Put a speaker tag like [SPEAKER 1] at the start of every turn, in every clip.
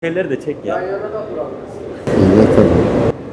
[SPEAKER 1] Şeyleri de çek ya.
[SPEAKER 2] Yan yana da durabiliriz.
[SPEAKER 3] Evet tabii.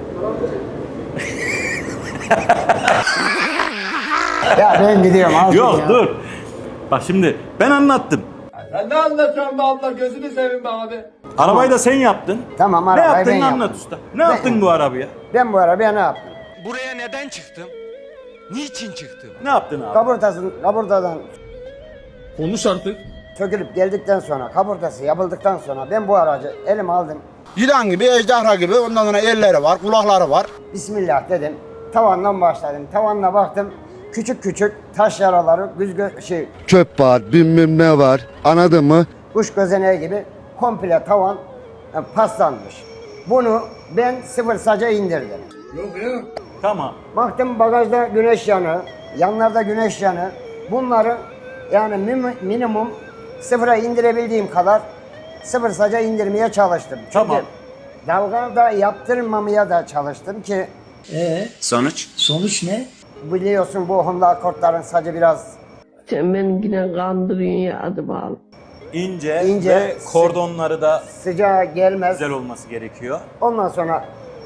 [SPEAKER 2] Ya ben gidiyorum abi.
[SPEAKER 1] Yok
[SPEAKER 2] ya.
[SPEAKER 1] dur. Bak şimdi ben anlattım.
[SPEAKER 4] Sen ne anlatıyorsun be abla? Gözünü seveyim be abi.
[SPEAKER 1] Arabayı da sen yaptın.
[SPEAKER 2] Tamam,
[SPEAKER 1] Ne
[SPEAKER 2] arabayı
[SPEAKER 1] yaptın
[SPEAKER 2] ben
[SPEAKER 1] anlat
[SPEAKER 2] yaptım.
[SPEAKER 1] usta. Ne yaptın bu arabaya?
[SPEAKER 2] Ben bu arabaya ne yaptım?
[SPEAKER 5] Buraya neden çıktım? Niçin çıktım?
[SPEAKER 1] Ne yaptın abi?
[SPEAKER 2] Kaburtadan
[SPEAKER 4] Konuş artık.
[SPEAKER 2] sökülüp geldikten sonra, kaburtası yapıldıktan sonra ben bu aracı elime aldım.
[SPEAKER 3] Yılan gibi, ejderha gibi, ondan sonra elleri var, kulakları var.
[SPEAKER 2] Bismillah dedim. Tavandan başladım. Tavanla baktım. Küçük küçük taş yaraları,
[SPEAKER 3] Çöp var, bilmem ne var, anladın mı?
[SPEAKER 2] kuş gözeneği gibi komple tavan paslanmış. Bunu ben sıfır saca indirdim.
[SPEAKER 1] Tamam.
[SPEAKER 2] Baktım bagajda güneş yanı, yanlarda güneş yanı. Bunları yani minimum sıfıra indirebildiğim kadar sıfır saca indirmeye çalıştım. Çünkü
[SPEAKER 1] Tamam.
[SPEAKER 2] dalga da yaptırmamaya da çalıştım ki
[SPEAKER 5] Sonuç ne?
[SPEAKER 2] biliyorsun bu Honda Accord'ların sacı biraz
[SPEAKER 6] Sen beni yine kandırıyorsun ya adım al.
[SPEAKER 1] İnce,
[SPEAKER 2] İnce,
[SPEAKER 1] ve kordonları da
[SPEAKER 2] sıcağa gelmez.
[SPEAKER 1] güzel olması gerekiyor.
[SPEAKER 2] Ondan sonra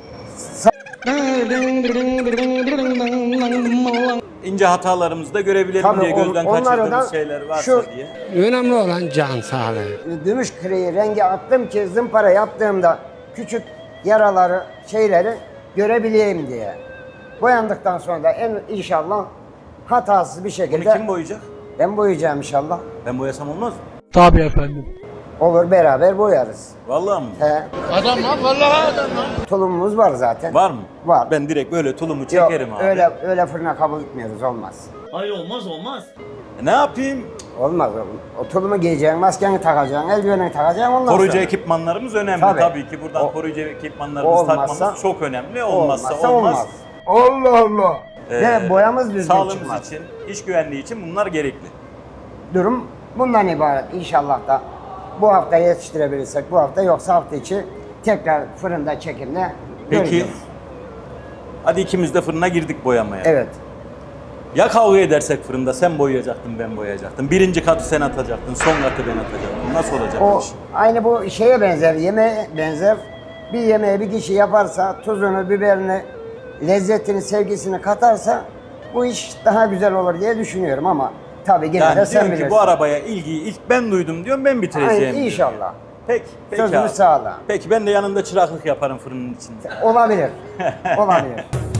[SPEAKER 1] İnce hatalarımızı da görebilelim
[SPEAKER 2] Tabii
[SPEAKER 1] diye gözden
[SPEAKER 2] onları da
[SPEAKER 1] kaçırdığımız şeyler varsa
[SPEAKER 2] şu-
[SPEAKER 1] diye.
[SPEAKER 7] Önemli olan can sağlığı.
[SPEAKER 2] gümüş kreyi rengi attım ki zımpara yaptığımda küçük yaraları, şeyleri görebileyim diye. Boyandıktan sonra da inşallah hatasız bir
[SPEAKER 1] Bunu
[SPEAKER 2] şekilde
[SPEAKER 1] kim boyayacak?
[SPEAKER 2] ben boyayacağım inşallah.
[SPEAKER 1] Ben boyasam olmaz mı?
[SPEAKER 7] Tabii efendim.
[SPEAKER 2] Olur beraber boyarız.
[SPEAKER 1] Vallahi mı?
[SPEAKER 2] He.
[SPEAKER 4] Adam lan vallahi adam lan.
[SPEAKER 2] Tulumumuz var zaten.
[SPEAKER 1] Var mı?
[SPEAKER 2] Var.
[SPEAKER 1] Ben direkt böyle tulumu
[SPEAKER 2] Yok,
[SPEAKER 1] çekerim abi.
[SPEAKER 2] öyle fırına kabul etmiyoruz, olmaz.
[SPEAKER 8] Hayır olmaz.
[SPEAKER 1] Ne yapayım?
[SPEAKER 2] Olmaz oğlum. O tulumu giyeceksin, maskeni takacaksın, eldivenini takacaksın ondan
[SPEAKER 1] Koruyucu
[SPEAKER 2] sonra.
[SPEAKER 1] ekipmanlarımız önemli.
[SPEAKER 2] Tabii.
[SPEAKER 1] Tabii ki buradan
[SPEAKER 2] O-
[SPEAKER 1] koruyucu ekipmanlarımızı
[SPEAKER 2] olmazsa-
[SPEAKER 1] takmamız çok önemli. Olmazsa
[SPEAKER 2] olmaz.
[SPEAKER 4] Allah Allah.
[SPEAKER 2] Ve boyamız düzgün
[SPEAKER 1] Sağlığımız
[SPEAKER 2] çıkmaz.
[SPEAKER 1] için, iş güvenliği için bunlar gerekli.
[SPEAKER 2] Durum bundan ibaret. İnşallah da bu hafta yetiştirebilirsek bu hafta, yoksa hafta içi tekrar fırında çekimle
[SPEAKER 1] Peki,
[SPEAKER 2] göreceğiz.
[SPEAKER 1] hadi ikimiz de fırına girdik boyamaya.
[SPEAKER 2] Evet.
[SPEAKER 1] Ya kavga edersek fırında sen boyayacaktın, ben boyayacaktım. Birinci katı sen atacaktın, son katı ben atacaktım. Nasıl olacak bu
[SPEAKER 2] O
[SPEAKER 1] iş?
[SPEAKER 2] aynı bu şeye benzer, yemeğe benzer. Bir yemeği bir kişi yaparsa, tuzunu, biberini, lezzetini, sevgisini katarsa bu iş daha güzel olur diye düşünüyorum ama tabii yine
[SPEAKER 1] Yani
[SPEAKER 2] de sen
[SPEAKER 1] diyorum ki
[SPEAKER 2] bilirsin.
[SPEAKER 1] bu arabaya ilgiyi ilk ben duydum diyorum, ben bitireceğim.
[SPEAKER 2] Aynen,
[SPEAKER 1] diyorum.
[SPEAKER 2] inşallah.
[SPEAKER 1] Peki
[SPEAKER 2] Sözümüz
[SPEAKER 1] abi.
[SPEAKER 2] sağlam.
[SPEAKER 1] Peki ben de yanında çıraklık yaparım fırının içinde.
[SPEAKER 2] Olabilir. Olabilir.